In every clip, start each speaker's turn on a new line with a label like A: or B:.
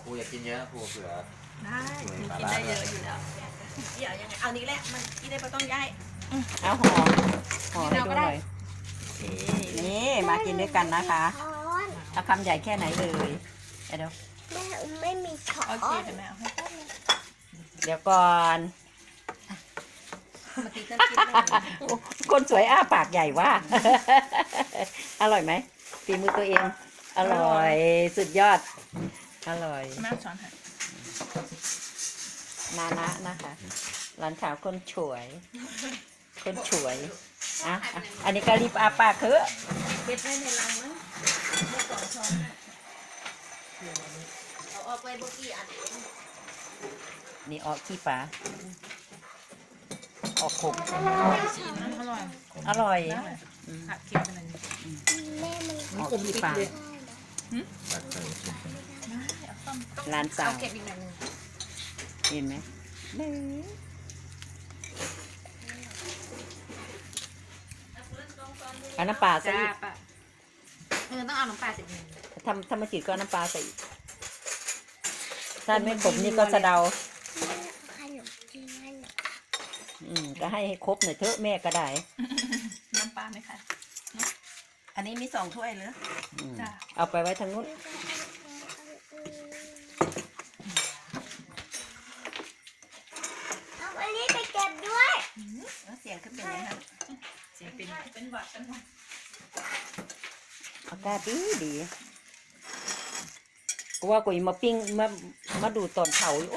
A: รูอยากกินเยอะครูเผื่อ
B: ได้กินได้เยอะอยู่แล้วเดี๋ยวยังไงเอานี้แหละมันกินได้ไม่ต้องย้าย
C: เอาห่อให้ดูหน่อยนี่มากินด้วยกันนะคะเอาคำใหญ่แค่ไหนเลยเดี๋ยว
D: แม่ไม่มีช้อ
B: โอเคน เดี๋ยวแม่เอาให้แป๊บนึง
C: เดี๋ยวก่อน
B: มาตีกันกินได้เลย
C: คนสวยอ้าปากใหญ่ว่า อร่อยไหมฝีมือตัวเอง อร่อยสุดยอด อร่อย
B: แม่ช้อนให้
C: นานะนะคะหลานสาวคนฉวย คนฉวยอ่ะอันนี้ก็รีบอาปากเถอะ
B: เก็บไว้ในรังมั้งเมื่อก่อนช้อนน่ะเอาออกไปเมื่อกี้อันนี้
C: นี่ออกขี้ปลาออกขม
B: ชิมอร่อย
C: อร่อย
B: ผัดเค็มเป็นอะไร
D: แม่มัน
C: ออกขี้ปลา
A: ตักใส่ชุด
C: หลานสาว
B: เก็บอีกหน่อยนึง
C: เห็นไหมเอาน้ำปลาใส่
B: จ้า
C: อีก
B: ปะต้องเอาน้ำปลาสิบนึง
C: ทำมาจืดก็เอาน้ำปลาใส่อีกถ้าไม่ขมนี่ก็สะเดา
D: ขนมจีน
C: ก็ให้ครบหน่อยเถอะแม่ก็ได้
B: น้ำปลาไหมคะ
E: อันนี้มี2 ถ้วยเหรอ
C: อืม
B: จ้ะ
C: เอาไปไว้ทางนู้น
D: เอาอันนี้ไปเก็บด้วย
E: เสียงขึ้นเป็นยังไง
B: เสียงเป็นหวัดเป็นหวัด
C: อากาศดีดีกูว่ากูมาปิ้งมาดูตอนเผาอยู่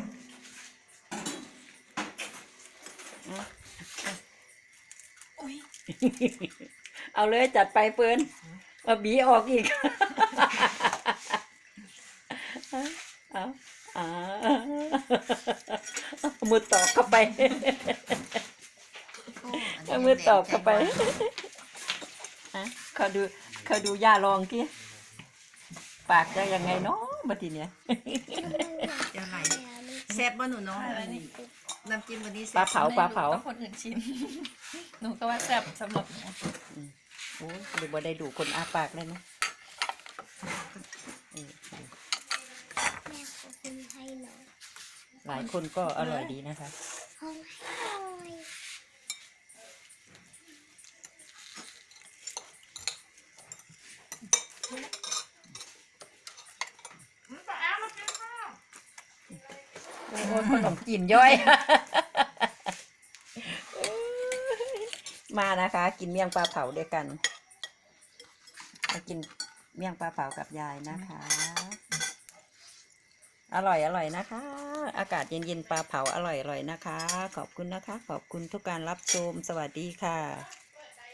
C: เอา
B: อุ้ย
C: เอาเลยจัดไปเฟิร์นมาบีออกอีกเอาเอามือตอกเข้าไปเอามือตอกเข้าไปเขาดูย่าลองกี้ปากจะยังไงเนาะบัดทีเนี้ย
E: เดี๋ยวไหลแซ่บบ่หนูเนาะน้ำจิ้มวันนี้
C: ปลา
E: แซ่บ
C: เผาปลาเผา
B: ต้องคนอื่นชิม หนูก็ว่าแซ่บสำหรับหนู
C: โอ้ยเดี๋ยวบ่ได้ดูคนอาปากเลยนะ
D: แม่ขอบคุณให้หน่อย
C: หลายคนก็อร่อยดีนะคะ
D: เอาให้หน่อย
C: โอ้ยขนมจีนย่อย มานะคะ กินเมี่ยงปลาเผาด้วยกันมากินเมี่ยงปลาเผากับยายนะคะ อร่อยนะคะ อากาศเย็นๆปลาเผาอร่อยนะคะ ขอบคุณนะคะ ขอบคุณทุกการรับชมสวัสดีค่ะ